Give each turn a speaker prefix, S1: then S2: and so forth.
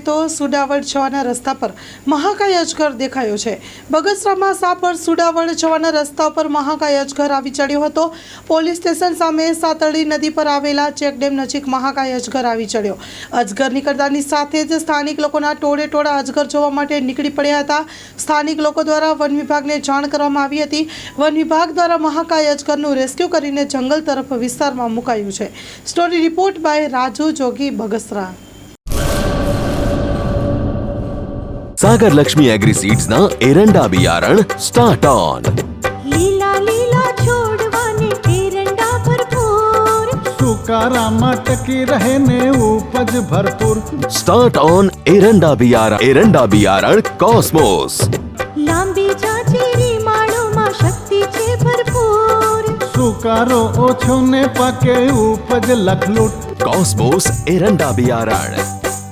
S1: તો સુડાવડ જવાના રસ્તા પર મહાકાય અજગર દેખાયો છે। બગસરામાં સાપર સુડાવડ જવાના રસ્તા પર મહાકાય અજગર આવી ચડ્યો હતો। પોલીસ સ્ટેશન સામે સાતળી નદી પર આવેલા ચેકડેમ નજીક મહાકાય અજગર આવી ચડ્યો। અજગર નીકળતાની સાથે જ સ્થાનિક લોકોના ટોળે ટોળા અજગર જોવા માટે નીકળી પડ્યા હતા। સ્થાનિક લોકો દ્વારા વન વિભાગને જાણ કરવામાં આવી હતી। વન વિભાગ દ્વારા મહાકાય અજગરનું રેસ્ક્યુ કરીને જંગલ તરફ વિસ્તારમાં મુકાયું છે। Story report by Raju Jogi, Bagasara.
S2: Sagar Lakshmi Agriseeds ना एरंडा बियारण स्टार्ट ऑन।
S3: લીલા લીલા છોડવાને એરંડા ભરપૂર,
S4: સુકારામાં ટકી રહે ને ઉપજ ભરપૂર।
S2: स्टार्ट ऑन एरंडा बियारण कॉस्मोस।
S3: લાંબી જાચેરી માળોમાં શક્તિ છે ભરપૂર,
S4: સુકારો ઓછો ને પાકે ઉપજ લખલૂટ।
S2: कॉस्मोस एरंडा बियारण।